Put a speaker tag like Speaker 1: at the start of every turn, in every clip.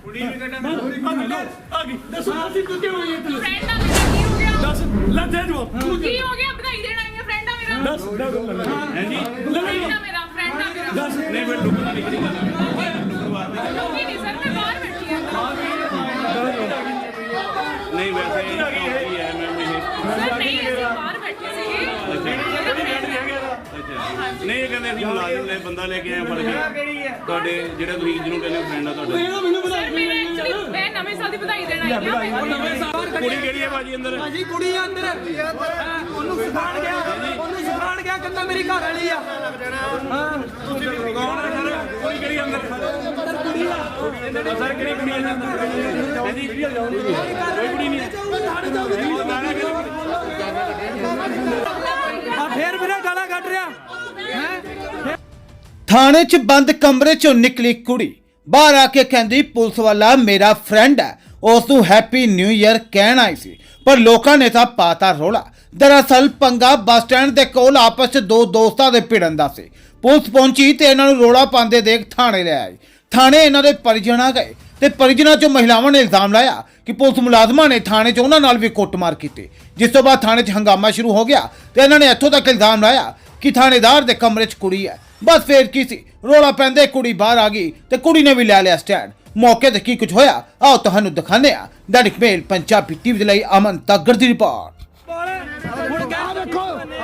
Speaker 1: ਕੁੜੀ ਵੀ ਕੱਢਣ ਆ ਗਈ ਦੱਸੋ ਤੂੰ ਕਿਉਂ ਹੋਈ ਇੱਥੇ
Speaker 2: ਫਰੈਂਡ ਆ ਮੇਰਾ ਕੀ ਹੋ ਗਿਆ
Speaker 1: ਦੱਸ ਲੈ ਦੇ ਜਵਾਬ
Speaker 2: ਕੀ ਹੋ ਗਿਆ ਵਧਾਈ ਦੇਣ ਆਈ ਹੈ ਫਰੈਂਡ ਆ ਮੇਰਾ
Speaker 1: ਦੱਸ ਹੈ ਜੀ
Speaker 2: ਫਰੈਂਡ ਆ ਮੇਰਾ ਫਰੈਂਡ ਆ ਮੇਰਾ
Speaker 1: ਦੱਸ ਨਹੀਂ ਮੈਂ ਲੁਕਣਾ ਨਹੀਂ ਕਰੀ
Speaker 2: ਲੋਕੀ ਨਹੀਂ ਸਰ ਮੈਂ ਬਾਹਰ ਬੈਠੀ ਆ
Speaker 3: ਨਹੀਂ ਵੈਸੇ ਕੀ ਹੈ ਮੈਮ ਇਹ
Speaker 2: ਸਰ ਨਹੀਂ ਅਸੀਂ ਬਾਹਰ ਬੈਠੇ ਸੀਗੇ
Speaker 3: ਨਹੀਂ ਇਹ ਕਹਿੰਦੇ ਅਸੀਂ ਮੁਲਾਜ਼ਮ ਨੇ ਬੰਦਾ ਲੈ ਕੇ ਆਏ ਫੜ ਕੇ ਤੁਹਾਡੇ ਜਿਹੜੇ ਤੁਸੀਂ ਜਿਹਨੂੰ ਕਹਿੰਦੇ ਫਰੈਂਡ ਆ ਤੁਹਾਡੇ
Speaker 2: ਸਰ ਮੇਰੇ ਐਕਚੁਅਲੀ ਮੈਂ ਨਵੇਂ ਸਾਲ ਦੀ ਵਧਾਈ ਦੇਣ ਆਈ ਹਾਂ
Speaker 1: ਨਵੇਂ ਸਾਲ
Speaker 3: ਕੁੜੀ ਕਿਹੜੀ ਹੈ ਭਾਜੀ ਅੰਦਰ
Speaker 4: ਭਾਜੀ ਕੁੜੀ ਆ ਅੰਦਰ ਉਹਨੂੰ ਸਿਖਾਣ ਗਿਆ ਕਹਿੰਦਾ ਮੇਰੀ ਘਰ ਵਾਲੀ ਆ ਹਾਂ
Speaker 3: ਕੌਣ ਹੈ ਸਰ ਕੁੜੀ ਕਿਹੜੀ ਅੰਦਰ
Speaker 4: ਕੁੜੀ ਆ
Speaker 3: ਸਰ ਕਿਹੜੀ ਕੁੜੀ ਹੈ ਅੰਦਰ ਜੀ ਕੋਈ ਕੁੜੀ ਨਹੀਂ
Speaker 4: ਆ ਫੇਰ ਮੇਰਾ ਗਾਲਾਂ ਕੱਢ ਰਿਹਾ ਹੈ
Speaker 5: ਥਾਣੇ 'ਚ ਬੰਦ ਕਮਰੇ 'ਚੋਂ ਨਿਕਲੀ ਕੁੜੀ ਬਾਹਰ ਆ ਕੇ ਕਹਿੰਦੀ ਪੁਲਿਸ ਵਾਲਾ ਮੇਰਾ ਫਰੈਂਡ ਹੈ ਉਸ ਨੂੰ ਹੈਪੀ ਨਿਊ ਈਅਰ ਕਹਿਣ ਆਈ ਸੀ ਪਰ ਲੋਕਾਂ ਨੇ ਤਾਂ ਪਾਤਾ ਰੋਲਾ। ਦਰਅਸਲ ਪੰਗਾ ਬੱਸ ਸਟੈਂਡ ਦੇ ਕੋਲ ਆਪਸ 'ਚ ਦੋ ਦੋਸਤਾਂ ਦੇ ਭਿੜਨ ਦਾ ਸੀ। ਪੁਲਿਸ ਪਹੁੰਚੀ ਤੇ ਇਹਨਾਂ ਨੂੰ ਰੋਲਾ ਪਾਉਂਦੇ ਦੇਖ ਥਾਣੇ ਲੈ ਆਈ। ਥਾਣੇ ਇਹਨਾਂ ਦੇ ਪਰਿਜਨ ਆ ਗਏ ਤੇ ਪਰਿਜਨਾਂ 'ਚੋਂ ਮਹਿਲਾਵਾਂ ਨੇ ਇਲਜ਼ਾਮ ਲਾਇਆ ਕਿ ਪੁਲਿਸ ਮੁਲਾਜ਼ਮਾਂ ਨੇ ਥਾਣੇ 'ਚ ਉਹਨਾਂ ਨਾਲ ਵੀ ਕੁੱਟਮਾਰ ਕੀਤੀ, ਜਿਸ ਤੋਂ ਬਾਅਦ ਥਾਣੇ 'ਚ ਹੰਗਾਮਾ ਸ਼ੁਰੂ ਹੋ ਗਿਆ ਤੇ ਇਹਨਾਂ ਨੇ ਇੱਥੋਂ ਤੱਕ ਇਲਜ਼ਾਮ ਲਾਇਆ ਕਿ ਥਾਣੇਦਾਰ ਦੇ ਕਮਰੇ 'ਚ ਕੁੜੀ ਹੈ। ਬਸ ਫੇਰ ਕੀ ਸੀ, ਰੋਲਾ ਪੈਂਦੇ ਕੁੜੀ ਬਾਹਰ ਆ ਗਈ ਤੇ ਕੁੜੀ ਨੇ ਵੀ ਲੈ ਲਿਆ ਸਟੈਂਡ। ਮੌਕੇ ਤੇ ਕੀ ਕੁਝ ਹੋਇਆ ਆਓ ਤੁਹਾਨੂੰ ਦਿਖਾਉਂਦੇ ਆ। ਦੈਨਿਕ ਮੇਲ ਪੰਜਾਬੀ ਟੀਵੀ ਦੇ ਲਈ ਅਮਨ ਤੱਗੜ ਦੀ ਰਿਪੋਰਟ।
Speaker 4: ਹੁਣ ਕਿਆ ਦੇਖੋ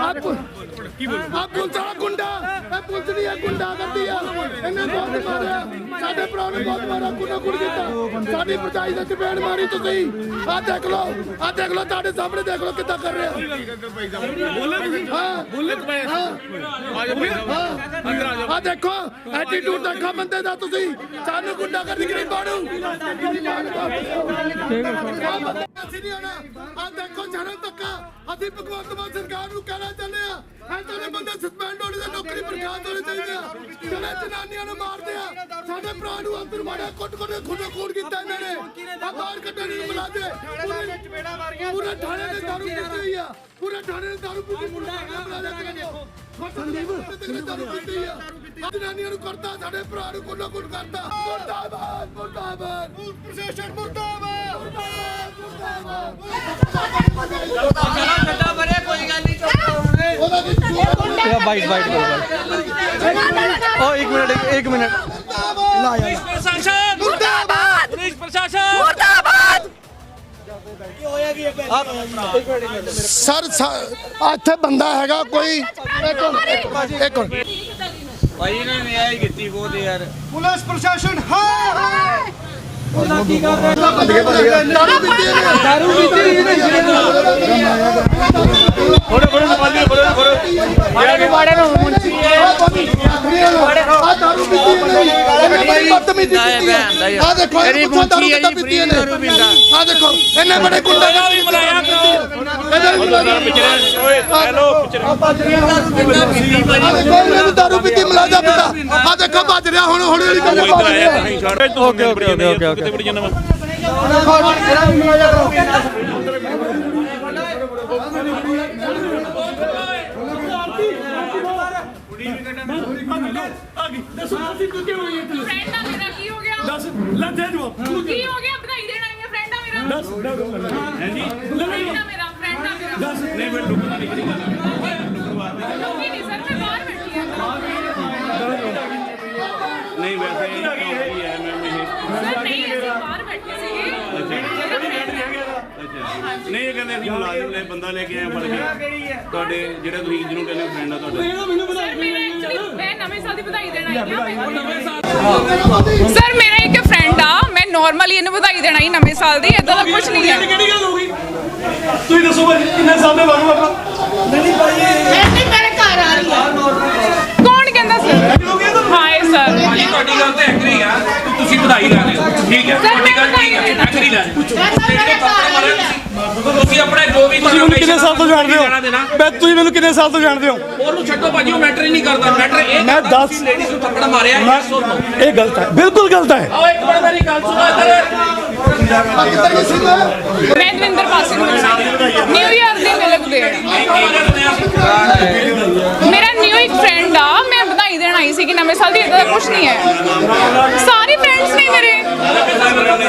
Speaker 4: ਆ ਪੁਲਿਸ ਵਾਲਾ ਗੁੰਡਾ ਇਹ ਪੁਲਿਸ ਨਹੀਂ ਆ ਗੁੰਡਾ ਕਰਦੀ ਆ ਇਹਨੇ ਬਹੁਤ ਮਾਰਿਆ ਸਾਡੇ ਭਰਾ ਨੂੰ ਬਹੁਤ ਮਾਰਿਆ ਕੁੱਟ ਕੀਤਾ ਸਾਡੀ ਪਰਚਾਈ ਦਾ ਚਪੇੜ ਮਾਰੀ ਤੁਸੀਂ ਆ ਦੇਖ ਲਓ ਤੁਹਾਡੇ ਸਾਹਮਣੇ ਦੇਖ ਲਓ ਕਿੱਦਾਂ ਕਰ ਰਿਹਾ
Speaker 1: ਬੋਲੇ ਤੁਸੀਂ
Speaker 4: ਹਾਂ
Speaker 1: ਬੋਲੇ ਪਏ
Speaker 4: ਆ ਦੇਖੋ ਐਟੀਟਿਊਡ ਦੇਖੋ ਬੰਦੇ ਦਾ ਤੁਸੀਂ ਸਾਨੂੰ ਗੁੰਡਾ ਕਰਦੀ ਗਰੀਬਾਂ ਨੂੰ ਅਸੀਂ ਨਹੀਂ ਆਣਾ ਆ ਦੇਖੋ ਜਨਮ ਤੱਕਾ ਅਸੀਂ ਭਗਵੰਤ ਮਾਨ ਸਰਕਾਰ ਨੂੰ ਕਹਿਣਾ ਚਾਹੁੰਦੇ ਆ ਐਦਾਂ ਦੇ ਬੰਦੇ ਸਸਪੈਂਡ ਹੋਣੇ ਤੇ ਨੌਕਰੀ ਬਰਖਾਸਤ ਹੋਣੇ ਚਾਹੀਦੇ ਆ ਜਿਹੜੇ ਜਨਾਨੀਆਂ ਨੂੰ ਮਾਰਦੇ ਆ ਸਾਡੇ ਭਰਾ ਨੂੰ ਅੰਦਰ ਮਾਰਿਆ ਕੁੱਟ ਖੂਨ ਕੀਤਾ ਇਹਨਾਂ ਨੇ ਆ ਬਾਹਰ ਕੱਢਣ ਨੂੰ ਮੁਲਾਜ਼ੇ ਪੂਰੇ ਥਾਣੇ ਦੇ ਦਾਰੂ ਪੀਤੀ ਹੋਈ ਆ ਪੂਰੇ ਥਾਣੇ ਦੇ ਦਾਰੂ ਪੀਤੀ ਮੁੰਡਾ ਹੈਗਾ ਮੁਲਾਜ਼ੇ ਦਾਰੂ ਪੀਤੀ ਆ ਜਨਾਨੀਆਂ ਨੂੰ ਕਰਦਾ ਸਾਡੇ ਭਰਾ ਨੂੰ ਕੁੱਟ ਕਰਦਾ ਮੁਰਦਾਬਾਦ ਪ੍ਰਸ਼ਾਸਨ ਮੁਰਦਾਬਾਦ
Speaker 6: ਗੱਡਾ ਬਰੇ ਕੋਈ ਗੱਲ ਨਹੀਂ
Speaker 4: ਬਾਈਟ ਓ ਇੱਕ ਮਿੰਟ ਲਾ ਯਾਰ
Speaker 6: ਪ੍ਰਸ਼ਾਸਨ ਮੁਰਦਾਬਾਦ ਪੁਲਿਸ ਪ੍ਰਸ਼ਾਸਨ ਮੁਰਦਾਬਾਦ
Speaker 4: ਸਰ ਇੱਥੇ ਬੰਦਾ ਹੈਗਾ ਕੋਈ ਇੱਕ
Speaker 6: ਭਾਈ ਨੇ ਨਿਆਂ ਕੀਤੀ ਬਹੁਤ ਯਾਰ
Speaker 4: ਪੁਲਿਸ ਪ੍ਰਸ਼ਾਸਨ ਹਾਂ ਉਹਨਾਂ ਕੀ ਕਰ ਰਿਹਾ ਦਾਰੂ ਪੀਤੀ
Speaker 1: ਫੜੋ ਨਵਾਜ਼ੀ ਫੜੋ
Speaker 4: ਬਾੜੇ ਨੂੰ ਮੁੰਚੀ ਆ ਦਾਰੂ ਪੀਤੀ ਇਹਨੇ ਬਦਤਮੀਜ਼ੀ ਕੀਤੀ ਆ ਦੇਖੋ ਇਹ ਦਾਰੂ ਕਿੱਦਾਂ ਪੀਤੀ ਇਹਨੇ ਆ ਦੇਖੋ ਇਹਨੇ ਬੜੇ ਗੁੰਡੇ ਨਾਲ ਵੀ ਮਲਾਇਆ ਇਹਨੇ ਦਾਰੂ ਪੀਤੀ ਮਲਾਜਾ ਪੀਤਾ ਆ ਦੇਖੋ ਭੱਜ ਰਿਹਾ ਹੁਣ ਹੌਲੀ ਕਰਕੇ
Speaker 3: ਓਕੇ ਕਿਤੇ ਬੜੀ ਜਨਮ
Speaker 1: ਕੁੜੀ ਵੀ ਕੱਢਣ ਆ ਗਈ ਦੱਸੋ ਤੂੰ ਕਿਉਂ ਹੋਈ ਇੱਥੇ
Speaker 2: ਫਰੈਂਡ ਆ ਮੇਰਾ ਕੀ ਹੋ ਗਿਆ
Speaker 1: ਦੱਸ ਲੈ ਦੇ ਜਵਾਬ
Speaker 2: ਕੀ ਹੋ ਗਿਆ ਵਧਾਈ ਦੇਣ ਆਈ ਹੈ ਫਰੈਂਡ ਆ ਮੇਰਾ
Speaker 1: ਦੱਸ ਹੈ ਜੀ
Speaker 2: ਫਰੈਂਡ ਆ ਮੇਰਾ
Speaker 1: ਦੱਸ
Speaker 3: ਨਹੀਂ ਮੈਂ ਲੁਕਣਾ ਨਹੀਂ ਕਰੀ
Speaker 2: ਲੋਕੀ ਨਹੀਂ ਸਰ ਮੈਂ ਬਾਹਰ ਬੈਠੀ ਆ
Speaker 3: ਨਹੀਂ ਵੈਸੇ ਕੀ ਹੈ ਮੈਮ ਇਹ
Speaker 2: ਸਰ ਨਹੀਂ ਅਸੀਂ ਬਾਹਰ ਬੈਠੇ ਸੀਗੇ
Speaker 3: ਨਹੀਂ ਇਹ ਕਹਿੰਦੇ ਅਸੀਂ ਮੁਲਾਜ਼ਮ ਨੇ ਬੰਦਾ ਲੈ ਕੇ ਆਏ ਫੜ ਕੇ ਤੁਹਾਡੇ ਜਿਹੜੇ ਤੁਸੀਂ ਜਿਹਨੂੰ ਕਹਿੰਦੇ ਫਰੈਂਡ ਆ ਤੁਹਾਡੇ
Speaker 2: ਸਰ ਮੇਰੇ ਐਕਚੁਅਲੀ ਮੈਂ ਨਵੇਂ ਸਾਲ ਦੀ ਵਧਾਈ ਦੇਣ ਆਈ ਹਾਂ ਸਰ ਮੇਰਾ ਇੱਕ ਫਰੈਂਡ ਆ ਮੈਂ ਨਾਰਮਲੀ ਇਹਨੂੰ ਵਧਾਈ ਦੇਣ ਆਈ ਨਵੇਂ ਸਾਲ ਦੀ ਇਦਾਂ ਦਾ ਕੁਝ ਨਹੀਂ ਹੈ
Speaker 1: ਕਿਹੜੀ ਗੱਲ ਹੋ ਗਈ ਤੁਸੀਂ ਦੱਸੋ ਭਾਈ ਕਿੰਨੇ ਸਾਲ ਦੇ ਬਾਅਦ ਆਪਣਾ
Speaker 4: ਨਹੀਂ ਭਾਈ
Speaker 2: ਨਹੀਂ ਮੇਰੇ ਘਰ ਆ ਰਹੀ ਹੈ ਕੌਣ ਕਹਿੰਦਾ ਸਰ ਹਾਏ ਸਰ
Speaker 7: ਤੁਹਾਡੀ ਗੱਲ ਤੇ ਐਗਰੀ ਆ ਤੁਸੀਂ ਵਧਾਈ ਲੈ ਰਹੇ ਹੋ ਠੀਕ ਹੈ ਤੁਹਾਡੀ ਗੱਲ ਠੀਕ ਹੈ ਐਗਰੀ ਲੈ ਤੁਸੀਂ ਆਪਣੇ ਜੋ ਵੀ
Speaker 1: ਤੁਸੀਂ ਮੈਨੂੰ ਕਿੰਨੇ ਸਾਲ ਤੋਂ ਜਾਣਦੇ ਹੋ ਤੁਸੀਂ ਮੈਨੂੰ ਕਿੰਨੇ ਸਾਲ ਤੋਂ ਜਾਣਦੇ ਹੋ
Speaker 7: ਉਹਨੂੰ ਛੱਡੋ ਭਾਜੀ ਉਹ ਮੈਟਰ ਹੀ ਨਹੀਂ ਕਰਦਾ ਮੈਟਰ ਇਹ
Speaker 1: ਮੈਂ 10
Speaker 7: ਲੇਡੀਜ਼ ਨੂੰ ਥੱਪੜ ਮਾਰਿਆ ਇਹ ਸੁਣੋ
Speaker 1: ਇਹ ਗਲਤ ਹੈ ਬਿਲਕੁਲ ਗਲਤ ਹੈ
Speaker 7: ਆਓ ਇੱਕ ਮਿੰਟ ਮੇਰੀ ਗੱਲ ਸੁਣੋ ਇੱਧਰ
Speaker 2: ਮੈਂ ਦਵਿੰਦਰ ਪਾਸੀ ਨੂੰ ਨਿਊ ਇਅਰ ਦੀ ਮਿਲਕ ਮੇਰਾ ਨਿਊ ਇੱਕ ਫਰੈਂਡ ਆ ਮੈਂ ਵਧਾਈ ਦੇਣ ਆਈ ਸੀ ਕਿ ਨਵੇਂ ਸਾਲ ਦੀ ਇਦਾਂ ਦਾ ਕੁਝ ਨਹੀਂ ਹੈ ਸਾਰੇ ਫਰੈਂਡਸ ਨੇ ਮੇਰੇ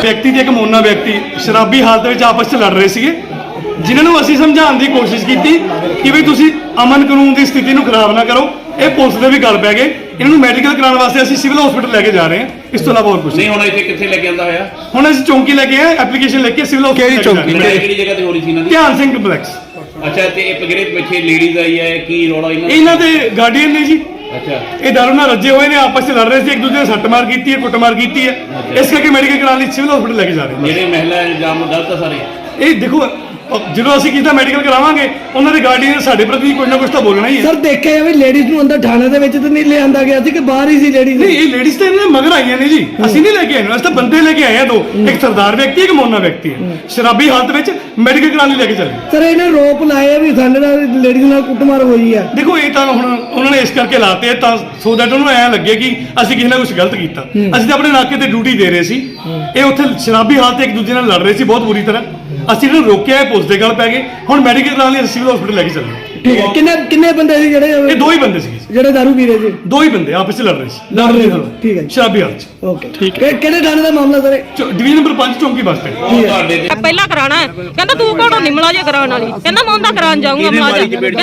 Speaker 8: ਵਿਅਕਤੀ ਤੇ ਇੱਕ ਮੋਨਾ ਵਿਅਕਤੀ ਸ਼ਰਾਬੀ ਹਾਲਤ ਵਿੱਚ ਆਪਸ 'ਚ ਲੜ ਰਹੇ ਸੀਗੇ, ਜਿਨ੍ਹਾਂ ਨੂੰ ਅਸੀਂ ਸਮਝਾਉਣ ਦੀ ਕੋਸ਼ਿਸ਼ ਕੀਤੀ ਕਿ ਵੀ ਤੁਸੀਂ ਅਮਨ ਕਾਨੂੰਨ ਦੀ ਸਥਿਤੀ ਨੂੰ ਖਰਾਬ ਨਾ ਕਰੋ। ਇਹ ਪੁਲਿਸ ਦੇ ਵੀ ਗੱਲ ਪੈ ਗਏ। ਇਹਨਾਂ ਨੂੰ ਮੈਡੀਕਲ ਕਰਾਉਣ ਵਾਸਤੇ ਅਸੀਂ ਸਿਵਲ ਹਸਪੀਟਲ ਲੈ ਕੇ ਜਾ ਰਹੇ ਹਾਂ, ਇਸ ਤੋਂ ਇਲਾਵਾ ਹੋਰ ਕੁਝ
Speaker 3: ਨਹੀਂ। ਹੁਣ ਇੱਥੇ ਕਿੱਥੇ ਲੈ ਕੇ ਆਂਦਾ ਹੋਇਆ?
Speaker 8: ਹੁਣ ਅਸੀਂ ਚੌਂਕੀ ਲੈ ਕੇ ਆਏ, ਐਪਲੀਕੇਸ਼ਨ ਲੈ ਕੇ ਸਿਵਲ ਹਸਪੀਟਲ ਚੌਂਕੀ
Speaker 3: ਕਿਹੜੀ ਜਗ੍ਹਾ ਤੇ ਹੋ ਰਹੀ ਸੀ ਇਹਨਾਂ ਦੀ?
Speaker 8: ਧਿਆਨ ਸਿੰਘ ਕੰਪਲੈਕਸ।
Speaker 3: ਅੱਛਾ, ਤੇ ਇਹ ਜਿਹੜੇ ਪਿੱਛੇ ਲੇਡੀਜ਼ ਆਈ ਹੈ, ਕੀ ਰੌਲਾ
Speaker 8: ਇਹਨਾਂ ਦੇ ਗਾਰਡੀਅਨ ਨੇ ਜੀ।
Speaker 3: ਅੱਛਾ,
Speaker 8: ਇਹ ਦਾਰੂ ਨਾਲ ਰੱਜੇ ਹੋਏ ਨੇ, ਆਪਸ ਵਿੱਚ ਲੜ ਰਹੇ ਸੀ, ਇੱਕ ਦੂਜੇ ਨੇ ਸੱਟਮਾਰ ਕੀਤੀ ਹੈ, ਕੁੱਟਮਾਰ ਕੀਤੀ ਹੈ, ਇਸ ਕਰਕੇ ਮੈਡੀਕਲ ਕਰਾਉਣ ਲਈ ਸਿਵਲ ਹਸਪੀਟਲ ਲੈ ਕੇ ਜਾ ਰਹੇ ਹਾਂ।
Speaker 3: ਜਿਹੜੇ ਮਹਿਲਾ ਇਲਜ਼ਾਮ ਗਲਤ ਆ ਸਾਰੇ।
Speaker 8: ਇਹ ਦੇਖੋ, ਜਦੋਂ ਅਸੀਂ ਕੀਤਾ ਮੈਡੀਕਲ ਕਰਾਵਾਂਗੇ, ਉਹਨਾਂ ਦੇ ਗਾਰਡੀਅਨ ਸਾਡੇ ਪ੍ਰਤੀ ਕੁਝ ਨਾ ਕੁਝ ਤਾਂ ਬੋਲਣਾ ਹੀ ਹੈ।
Speaker 9: ਸਰ ਦੇਖਿਆ ਵੀ ਲੇਡੀਜ਼ ਨੂੰ ਅੰਦਰ ਥਾਣੇ ਦੇ ਵਿੱਚ ਤਾਂ ਨਹੀਂ ਲਿਆਂਦਾ ਗਿਆ ਸੀ ਕਿ ਬਾਹਰ ਹੀ ਸੀ ਲੇਡੀਜ਼?
Speaker 8: ਨਹੀਂ, ਇਹ ਲੇਡੀਜ਼ ਤਾਂ ਇਹਨਾਂ ਦੇ ਮਗਰ ਆਈਆਂ ਨੇ ਜੀ, ਅਸੀਂ ਨਹੀਂ ਲੈ ਕੇ ਆਏ ਨਾ, ਅਸੀਂ ਤਾਂ ਬੰਦੇ ਲੈ ਕੇ ਆਏ ਆ ਦੋ, ਇੱਕ ਸਰਦਾਰ ਵਿਅਕਤੀ, ਇੱਕ ਮੋਨਾ ਵਿਅਕਤੀ ਹੈ, ਸ਼ਰਾਬੀ ਹਾਲਤ ਵਿੱਚ ਮੈਡੀਕਲ ਕਰਾਉਣ ਲਈ ਲੈ ਕੇ ਚੱਲੇ।
Speaker 9: ਸਰ ਇਹਨੇ ਰੋਪ ਲਾਏ ਆ ਵੀ ਸਾਡੇ ਨਾਲ ਲੇਡੀਜ਼ ਨਾਲ ਕੁੱਟਮਾਰ ਹੋਈ ਹੈ।
Speaker 8: ਦੇਖੋ, ਇਹ ਤਾਂ ਹੁਣ ਉਹਨਾਂ ਨੇ ਇਸ ਕਰਕੇ ਲਾਤੇ ਤਾਂ ਸੋ ਦੈਟ ਉਹਨੂੰ ਐਂ ਲੱਗੇ ਕਿ ਅਸੀਂ ਕਿਸੇ ਨਾਲ ਕੁਝ ਗਲਤ ਕੀਤਾ। ਅਸੀਂ ਤਾਂ ਆਪਣੇ ਨਾਕੇ ਤੇ ਡਿਊਟੀ ਦੇ ਰਹੇ ਸੀ, ਇਹ ਉੱਥੇ ਸ਼ਰਾਬੀ ਹਾਲਤ ਇੱਕ ਦੂਜੇ ਨਾਲ ਲੜ ਰਹੇ ਸੀ ਬਹੁਤ ਬੁਰੀ ਤਰ੍ਹਾਂ। ਅਸੀਂ ਇਹਨਾਂ ਨੂੰ ਰੋਕਿਆ, ਪੁਲਿਸ ਦੇ ਗੱਲ ਪੈ ਗਏ। ਹੁਣ ਮੈਡੀਕਲ ਕਰਾਉਣ ਲਈ ਸਿਵਲ ਹਸਪੀਟਲ ਲੈ ਕੇ ਚੱਲੇ।
Speaker 9: ਠੀਕ ਹੈ, ਕਿੰਨੇ ਬੰਦੇ ਸੀ ਜਿਹੜੇ?
Speaker 8: ਇਹ ਦੋ ਹੀ ਬੰਦੇ ਸੀਗੇ
Speaker 9: ਜਿਹੜੇ ਦਾਰੂ ਪੀ ਰਹੇ ਸੀ?
Speaker 8: ਦੋ ਹੀ ਬੰਦੇ ਆਪਸ ਵਿੱਚ ਲੜ ਰਹੇ ਸੀ,
Speaker 9: ਠੀਕ ਹੈ,
Speaker 8: ਸ਼ਰਾਬੀ ਹਾਲਤ 'ਚ।
Speaker 9: ਓਕੇ, ਠੀਕ ਹੈ। ਕਿਹੜੇ ਥਾਣੇ ਦਾ ਮਾਮਲਾ ਸਰ?
Speaker 8: ਡਿਵੀਜ਼ਨ ਨੰਬਰ 5 ਚੌਂਕੀ ਬੱਸ ਸਟੈਂਡ।
Speaker 3: ਤੁਹਾਡੇ ਤੇ
Speaker 10: ਪਹਿਲਾਂ ਕਰਾਣਾ ਹੈ, ਕਹਿੰਦਾ ਤੂੰ ਕੋਣ ਨਹੀਂ ਮਲਾਜਾ ਕਰਾਉਣ ਵਾਲੀ, ਕਹਿੰਦਾ ਮੈਂ ਉਹਦਾ ਕਰਾਉਣ ਜਾਊਂਗਾ ਮਲਾਜਾ। ਹਾਂ, ਜਿਹੜਾ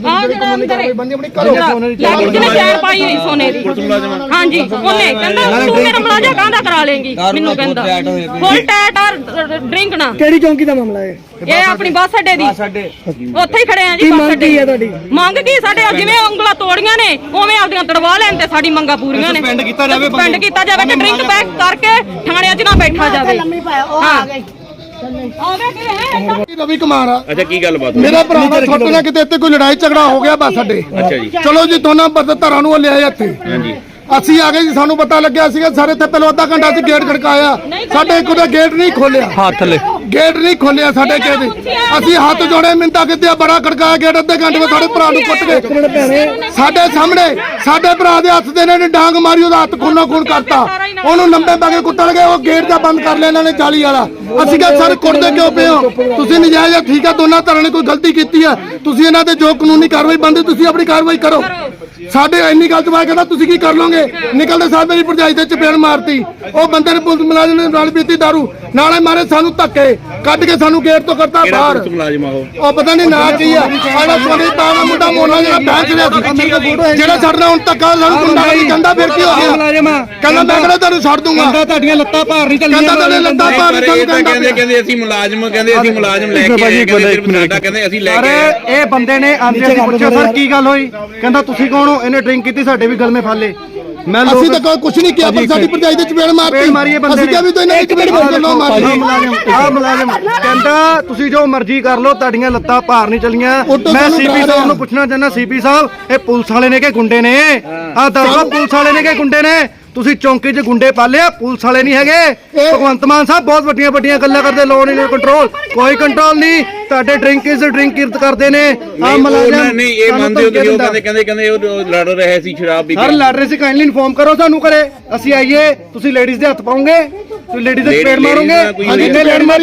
Speaker 10: ਅੰਦਰ ਜਿਹਨੇ ਚੈਨ ਪਾਈ ਹੋਈ ਸੋਨੇ ਦੀ, ਹਾਂਜੀ, ਉਹਨੇ ਕਹਿੰਦਾ ਤੂੰ ਮੇਰਾ ਮਲਾਜਾ ਕਾਹਦਾ ਕਰਾ ਲੇਂਗੀ, ਮੈਨੂੰ ਕਹਿੰਦਾ ਫੁੱਲ ਟੈਟ ਔਰ ਡਰਿੰਕ ਨਾ।
Speaker 9: ਕਿਹੜੀ ਚੌਂਕੀ ਦਾ ਮਾਮਲਾ ਹੈ
Speaker 10: ਇਹ? ਆਪਣੀ ਬੱਸ ਅੱਡੇ ਦੀ, ਉੱਥੇ ਹੀ ਖੜੇ ਆ ਜੀ
Speaker 9: ਕੀ
Speaker 10: ਬੱਸ
Speaker 9: ਮੰਗ
Speaker 10: ਅੱਡੇ।
Speaker 9: ਕੀ ਹੈ ਤੁਹਾਡੀ?
Speaker 10: ਮੰਗ ਕੀ? ਸਾਡੇ ਜਿਵੇਂ ਉਂਗਲਾਂ ਤੋੜੀਆਂ ਨੇ ਉਵੇਂ ਆਪਦੀਆਂ ਤੜਵਾ ਲੈਣ ਤੇ ਸਾਡੀ ਮੰਗਾਂ ਪੂਰੀਆਂ ਨੇ। ਸਸਪੈਂਡ ਕੀਤਾ ਜਾਵੇ ਕਿ ਡਰਿੰਕ ਬੈਕ ਕਰਕੇ ਥਾਣਿਆਂ 'ਚ ਨਾ ਬੈਠਾ ਜਾਵੇ।
Speaker 4: ਰਵੀ ਕੁਮਾਰ ਆ।
Speaker 3: ਅੱਛਾ, ਕੀ ਗੱਲਬਾਤ?
Speaker 4: ਮੇਰਾ ਭਰਾ ਨਾਲ ਛੋਟੇ ਨਾਲ ਕਿਤੇ ਇੱਥੇ ਕੋਈ ਲੜਾਈ ਝਗੜਾ ਹੋ ਗਿਆ ਬੱਸ ਅੱਡੇ।
Speaker 3: ਅੱਛਾ ਜੀ।
Speaker 4: ਚਲੋ ਜੀ, ਦੋਨਾਂ ਧਰਾਂ ਨੂੰ ਲਿਆਏ ਇੱਥੇ।
Speaker 3: ਹਾਂਜੀ।
Speaker 4: ਅਸੀਂ ਆ ਗਏ ਜੀ, ਸਾਨੂੰ ਪਤਾ ਲੱਗਿਆ ਸੀਗਾ ਸਾਰੇ ਇੱਥੇ ਪਹਿਲਾਂ ਅੱਧਾ ਘੰਟਾ ਅਸੀਂ ਗੇਟ ਖੜਕਾਇਆ, ਸਾਡੇ ਇੱਕ ਉਹਦਾ ਗੇਟ ਨਹੀਂ ਖੋਲਿਆ, ਗੇਟ ਨਹੀਂ ਖੋਲਿਆ ਸਾਡੇ ਗੇਟ। ਅਸੀਂ ਹੱਥ ਜੋੜੇ ਮਿੰਤਾ ਕਿਤੇ ਬੜਾ ਖੜਕਾਇਆ ਗੇਟ, ਅੱਧੇ ਘੰਟੇ ਵਿੱਚ ਸਾਡੇ ਭਰਾ ਨੂੰ ਕੁੱਟ ਕੇ ਸਾਡੇ ਸਾਹਮਣੇ ਸਾਡੇ ਭਰਾ ਦੇ ਹੱਥ ਦੇ ਇਹਨਾਂ ਨੇ ਡਾਂਗ ਮਾਰੀ, ਉਹਦਾ ਹੱਥ ਖੂਨੋ ਖੂਨ ਕਰਤਾ, ਉਹਨੂੰ ਲੰਬੇ ਪਾ ਕੇ ਕੁੱਟਣ ਗਏ, ਉਹ ਗੇਟ ਦਾ ਬੰਦ ਕਰ ਲਿਆ ਇਹਨਾਂ ਨੇ ਜਾਲੀ ਵਾਲਾ। ਅਸੀਂ ਕਿਹਾ ਸਰ ਕੁੱਟਦੇ ਕਿਉਂ ਪਏ ਹੋ ਤੁਸੀਂ? ਨਜਾਇਜ਼ ਆ, ਠੀਕ ਆ, ਦੋਨਾਂ ਧਿਰਾਂ ਨੇ ਕੋਈ ਗਲਤੀ ਕੀਤੀ ਆ, ਤੁਸੀਂ ਇਹਨਾਂ ਤੇ ਜੋ ਕਾਨੂੰਨੀ ਕਾਰਵਾਈ ਬਣਦੀ ਤੁਸੀਂ ਆਪਣੀ ਕਾਰਵਾਈ ਕਰੋ। ਸਾਡੇ ਇੰਨੀ ਗੱਲ ਤੋਂ ਬਾਅਦ ਕਹਿੰਦਾ ਤੁਸੀਂ ਕੀ ਕਰ ਲੋਗੇ? ਨਿਕਲਦੇ ਸਾਹ ਮੇਰੀ ਭਰਜਾਈ ਤੇ ਚਪੇੜ ਮਾਰਤੀ, ਉਹ ਬੰਦੇ ਨੇ ਪੁਲਿਸ ਮੁਲਾਜ਼ਮ ਨੇ ਨਾਲ ਪੀਤੀ ਦਾਰੂ, ਨਾਲੇ ਮਾਰੇ ਸਾਨੂੰ ਧੱਕੇ, ਕੱਢ ਕੇ ਸਾਨੂੰ ਗੇਟ ਤੋਂ ਕਰਤਾ ਬਾਹਰ।
Speaker 3: ਮੁਲਾਜ਼ਮ ਆ
Speaker 4: ਉਹ ਪਤਾ ਨਹੀਂ ਨਾਂ ਕੀ ਆ, ਸਾਡਾ ਸੋਨੀ ਤਾਂ ਦਾ ਮੁੰਡਾ ਮੋਨਾ ਜਿਹੜਾ ਬੈਂਚ ਰਿਹਾ ਸੀ, ਜਿਹੜਾ ਛੱਡਣਾ ਹੁਣ ਧੱਕਾ ਸਾਨੂੰ ਗੁੰਡਾਗਰਦੀ ਕਹਿੰਦਾ ਫਿਰ ਕੀ ਹੋ ਗਿਆ? ਕਹਿੰਦਾ ਮੈਂ ਕਿਹੜਾ ਤੁਹਾਨੂੰ ਛੱਡ ਦੂੰਗਾ, ਕਹਿੰਦਾ
Speaker 9: ਤੁਹਾਡੀਆਂ ਲੱਤਾਂ ਭਾਰ ਨਹੀਂ ਚੱਲੀਆਂ,
Speaker 4: ਕਹਿੰਦਾ ਤੁਹਾਡੇ ਲੱਤਾਂ ਭਾਰ ਨਹੀਂ ਚੱਲੀਆਂ,
Speaker 3: ਕਹਿੰਦੇ ਅਸੀਂ ਮੁਲਾਜ਼ਮ ਲੈ ਕੇ ਆਏ, ਕਹਿੰਦੇ ਅਸੀਂ ਲੈ ਕੇ ਆਏ।
Speaker 9: ਇਹ ਬੰਦੇ ਨੇ ਆਂਦੇ ਅਸੀਂ ਪੁੱਛਿਆ ਸਰ ਕੀ ਗੱਲ ਹੋਈ, ਕਹਿੰਦਾ ਤੁਸੀਂ ਕੌਣ ਹੋ? ਇਹਨੇ ਡਰਿੰਕ ਕੀਤੀ, ਸਾਡੇ ਵੀ ਗਲਮੇ ਫਾਲੇ। ਮੈਂ
Speaker 4: ਅਸੀਂ ਤਾਂ ਕੁਝ ਨਹੀਂ ਕੀਤਾ, ਪਰ ਸਾਡੀ ਭਰਜਾਈ ਦੇ ਚਪੇੜ ਮਾਰਤੀ, ਅਸੀਂ ਕਿਹਾ ਵੀ ਤੂੰ ਇਹਨਾਂ ਦੀ ਚਪੇੜ ਮਾਰ ਲਓ।
Speaker 9: ਮੁਲਾਜ਼ਮ ਕਹਿੰਦਾ ਤੁਸੀਂ ਜੋ ਮਰਜ਼ੀ ਕਰ ਲਓ, ਤੁਹਾਡੀਆਂ ਲੱਤਾਂ ਭਾਰ ਨਹੀਂ ਚੱਲੀਆਂ। ਮੈਂ ਸੀਪੀ ਸਾਹਿਬ ਨੂੰ ਪੁੱਛਣਾ ਚਾਹੁੰਦਾ, ਸੀਪੀ ਸਾਹਿਬ ਇਹ ਪੁਲਿਸ ਵਾਲੇ ਨੇ ਕਿ ਗੁੰਡੇ ਨੇ? ਆਹ ਦੱਸੋ, ਪੁਲਿਸ ਵਾਲੇ ਨੇ ਕਿ ਗੁੰਡੇ ਨੇ? ਤੁਸੀਂ ਚੌਂਕੀ 'ਚ ਗੁੰਡੇ ਪਾਲੇ ਆ, ਪੁਲਿਸ ਵਾਲੇ ਨਹੀਂ ਹੈਗੇ। ਭਗਵੰਤ ਮਾਨ ਸਾਹਿਬ ਬਹੁਤ ਵੱਡੀਆਂ ਵੱਡੀਆਂ ਗੱਲਾਂ ਕਰਦੇ, ਲੋਨ ਇਨ ਕੰਟਰੋਲ, ਕੋਈ ਕੰਟਰੋਲ ਨਹੀਂ। ਤੁਹਾਡੇ ਡਰਿੰਕ ਕਿਰਤ ਕਰਦੇ ਨੇ ਆ ਮੁਲਾਜ਼ਮ।
Speaker 3: ਨਹੀਂ, ਇਹ ਮੰਨਦੇ ਹੋ ਤੁਸੀਂ? ਉਹ ਕਹਿੰਦੇ ਉਹ ਲੜ ਰਹੇ ਸੀ ਸ਼ਰਾਬ ਪੀ ਕੇ।
Speaker 9: ਸਰ ਲੜ ਰਹੇ ਸੀ, ਕਾਈਂਡਲੀ ਇਨਫੋਰਮ ਕਰੋ ਸਾਨੂੰ, ਕਰੇ ਅਸੀਂ ਆਈਏ। ਤੁਸੀਂ ਲੇਡੀਜ਼ ਦੇ ਹੱਥ ਪਾਉਂਗੇ, ਤੁਸੀਂ ਲੇਡੀਜ਼ ਦੇ ਚਪੇੜ ਮਾਰੋਗੇ? ਇਹਨੇ ਲੜ ਮਾਰੀ,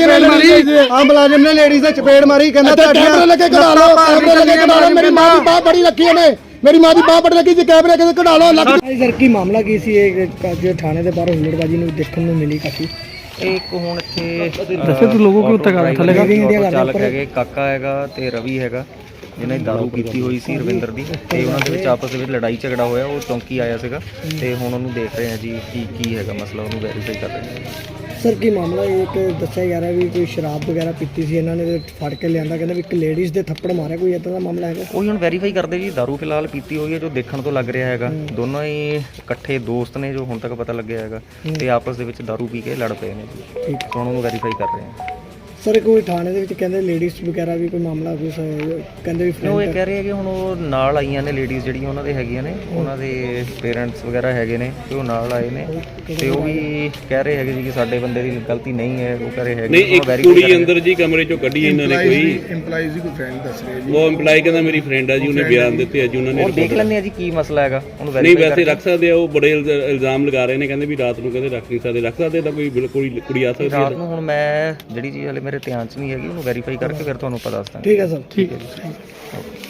Speaker 9: ਆ ਮੁਲਾਜ਼ਮ ਨੇ ਲੇਡੀਜ਼ ਦੇ ਚਪੇੜ ਮਾਰੀ, ਕਹਿੰਦਾ
Speaker 4: ਕੈਮਰੇ ਲੱਗੇ ਕਢਾ ਲਓ, ਕੈਮਰੇ ਲੱਗੇ ਕਢਾ ਲਓ। ਮੇਰੀ ਮਾਂ ਦੀ ਬਾਹ ਬੜੀ ਰੱਖੀ ਉਹਨੇ, ਮੇਰੀ ਮਾਂ ਦੀ ਬਾਹ ਬੜੀ ਲੱਗੀ ਜੀ, ਕੈਮਰੇ ਕਿਤੇ ਕਢਾ ਲਓ।
Speaker 9: ਸਰ ਕੀ ਮਾਮਲਾ ਕੀ ਸੀ ਇਹ ਜੋ ਥਾਣੇ ਦੇ ਬਾਹਰ ਹੁਲੜਬਾਜੀ ਨੂੰ ਦੇਖਣ ਨੂੰ ਮਿਲੀ ਕਾਫੀ?
Speaker 11: ਇੱਕ ਹੁਣ ਇੱਥੇ
Speaker 9: ਦੱਸੇ ਤੂੰ ਲੋਗੋ ਕਿ ਉੱਤੇ ਕਰ ਥੱਲੇ
Speaker 11: ਚਾਲਕ ਹੈਗੇ, ਕਾਕਾ ਹੈਗਾ ਤੇ ਰਵੀ ਹੈਗਾ, ਜਿਹਨੇ ਦਾਰੂ ਪੀਤੀ ਹੋਈ ਸੀ ਰਵਿੰਦਰ ਦੀ, ਤੇ ਉਹਨਾਂ ਦੇ ਵਿੱਚ ਆਪਸ ਦੇ ਵਿੱਚ ਲੜਾਈ ਝਗੜਾ ਹੋਇਆ। ਉਹ ਚੌਂਕੀ ਆਇਆ ਸੀਗਾ ਤੇ ਹੁਣ ਉਹਨੂੰ ਦੇਖ ਰਹੇ ਆ ਜੀ ਕੀ ਹੈਗਾ ਮਸਲਾ, ਉਹਨੂੰ ਵੈਰੀਫਾਈ ਕਰ ਰਹੇ ਆ।
Speaker 9: ਸਰ ਕੀ ਮਾਮਲਾ ਇੱਕ ਦੱਸਿਆ ਜਾ ਰਿਹਾ ਵੀ ਕੋਈ ਸ਼ਰਾਬ ਵਗੈਰਾ ਪੀਤੀ ਸੀ ਇਹਨਾਂ ਨੇ, ਫੜ ਕੇ ਲਿਆਂਦਾ, ਕਹਿੰਦਾ ਵੀ ਇੱਕ ਲੇਡੀਜ਼ ਦੇ ਥੱਪੜ ਮਾਰਿਆ, ਕੋਈ ਇਦਾਂ ਦਾ ਮਾਮਲਾ ਹੈਗਾ?
Speaker 11: ਉਹੀ ਹੁਣ ਵੈਰੀਫਾਈ ਕਰਦੇ ਜੀ। ਦਾਰੂ ਫਿਲਹਾਲ ਪੀਤੀ ਹੋਈ ਹੈ, ਜੋ ਦੇਖਣ ਤੋਂ ਲੱਗ ਰਿਹਾ ਹੈਗਾ। ਦੋਨੋਂ ਹੀ ਇਕੱਠੇ ਦੋਸਤ ਨੇ, ਜੋ ਹੁਣ ਤੱਕ ਪਤਾ ਲੱਗਿਆ ਹੈਗਾ, ਤੇ ਆਪਸ ਦੇ ਵਿੱਚ ਦਾਰੂ ਪੀ ਕੇ ਲੜ ਪਏ ਨੇ ਜੀ। ਠੀਕ, ਹੁਣ ਉਹਨੂੰ ਵੈਰੀਫਾਈ ਕਰ ਰਹੇ ਆ।
Speaker 9: ਸਰ ਕੋਈ ਥਾਣੇ ਦੇ ਵਿੱਚ ਕਹਿੰਦੇ ਲੇਡੀਜ਼ ਵਗੈਰਾ ਵੀ ਕੋਈ ਮਾਮਲਾ ਕੁਝ ਕਹਿੰਦੇ ਵੀ
Speaker 11: ਉਹ ਇਹ ਕਹਿ ਰਹੇ ਕਿ ਹੁਣ ਉਹ ਨਾਲ ਆਈਆਂ ਨੇ ਲੇਡੀਜ਼ ਜਿਹੜੀਆਂ ਉਹਨਾਂ ਦੇ ਹੈਗੀਆਂ ਨੇ, ਉਹਨਾਂ ਦੇ ਪੇਰੈਂਟਸ ਵਗੈਰਾ ਹੈਗੇ ਨੇ, ਤੇ ਉਹ ਨਾਲ ਆਏ ਨੇ, ਤੇ ਉਹ ਵੀ ਕਹਿ ਰਹੇ ਹੈਗੇ ਜੀ ਕਿ ਸਾਡੇ ਬੰਦੇ ਦੀ ਗਲਤੀ ਨਹੀਂ ਹੈ। ਉਹ ਕਹਿ ਰਹੇ ਹੈਗੇ
Speaker 3: ਨਹੀਂ, ਇੱਕ ਕੁੜੀ ਅੰਦਰ ਜੀ ਕਮਰੇ ਚੋਂ ਕੱਢੀ ਇਹਨਾਂ ਨੇ, ਕੋਈ
Speaker 4: ਇੰਪਲਾਈਜ਼ ਦੀ ਕੋਈ ਫਰੈਂਡ ਦੱਸ ਰਿਹਾ ਜੀ,
Speaker 3: ਉਹ ਇੰਪਲਾਈ ਕਹਿੰਦਾ ਮੇਰੀ ਫਰੈਂਡ ਆ ਜੀ, ਉਹਨੇ ਬਿਆਨ ਦਿੱਤੇ ਅੱਜ ਉਹਨਾਂ ਨੇ।
Speaker 11: ਉਹ ਦੇਖ ਲੈਂਦੇ ਆ ਜੀ ਕੀ ਮਸਲਾ ਹੈਗਾ, ਉਹਨੂੰ
Speaker 3: ਨਹੀਂ ਵੈਸੇ ਰੱਖ ਸਕਦੇ ਆ, ਉਹ ਬੜੇ ਇਲਜ਼ਾਮ ਲਗਾ ਰਹੇ ਨੇ, ਕਹਿੰਦੇ ਵੀ ਰਾਤ ਨੂੰ ਕਹਿੰਦੇ ਰੱਖ ਨਹੀਂ ਸਕਦੇ ਤਾਂ ਕੋਈ ਬਿਲਕੁਲ ਕੁੜੀ ਆ ਸਕਦੀ
Speaker 11: ਰਾਤ ਨੂੰ। ਹੁਣ ਮੈਂ ਜਿਹੜੀ ਚੀਜ਼ ਹਲੇ ਮੇਰੇ ਧਿਆਨ 'ਚ ਨਹੀਂ ਹੈਗੀ, ਉਹਨੂੰ ਵੈਰੀਫਾਈ ਕਰਕੇ ਫਿਰ ਤੁਹਾਨੂੰ ਪਤਾ ਦੱਸ ਦਾਂਗਾ।
Speaker 9: ਠੀਕ ਹੈ ਸਰ, ਠੀਕ ਹੈ ਜੀ।